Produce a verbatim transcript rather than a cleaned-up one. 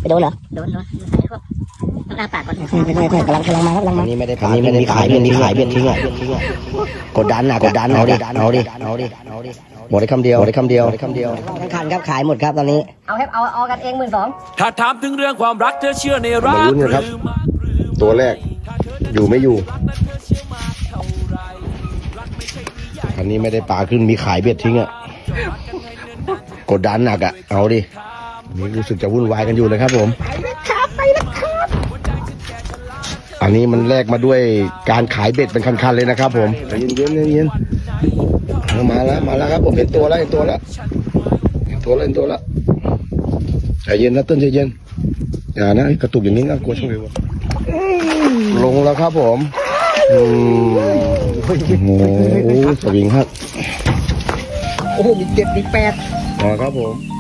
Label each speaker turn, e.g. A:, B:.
A: ไปโดนเหรอโดนโดนใส่พวกต้องอ้าปากก่อนค่อยๆค่อยๆกำลังกำลังมาครับกำลังมา
B: อันนี้ไม่ได้อันนี้ไม่ได้ขายเบ็ดนี่ขายเบ็ดทิ้งอ่ะกดดันอ่ะกดดันเอาดิเอาดิเอาดิหมดได้คำเดียวหมดได้คำเดียวหมดได้คำเดียวทั้งคันครับขายหมดครับตอนนี้
A: เอาครับเอาเอากันเองหมื่นสอง
C: ถ้าถามถึงเรื่องความรักเธอเชื่อในรัก
D: มาลุ้นกันครับตัวแรกอยู่ไม่อยู่อันนี้ไม่ได้ปลาขึ้นมีขายเบ็ดทิ้งอ่ะกดดันหนักอ่ะเอาดินี่รู้สึกจะวุ่นวายกันอยู่เลยครับผมอันนี้มันแลกมาด้วยการขายเบ็ดเป็นคันๆเลยนะครับผมเย็นๆเย็นๆมาแล้วมาแล้วครับผมเห็นตัวแล้วเห็นตัวแล้วเห็นตัวแล้วเห็นตัวแล้วใจเย็นนะต้นใจเย็นอย่านะกระตุกอย่างนี้นะกลัวช่วยลงแล้วครับผมอืมโอ้โหสวิงครับ
A: โอ้โหมีเจ็ดมีแปด
D: มาครับผม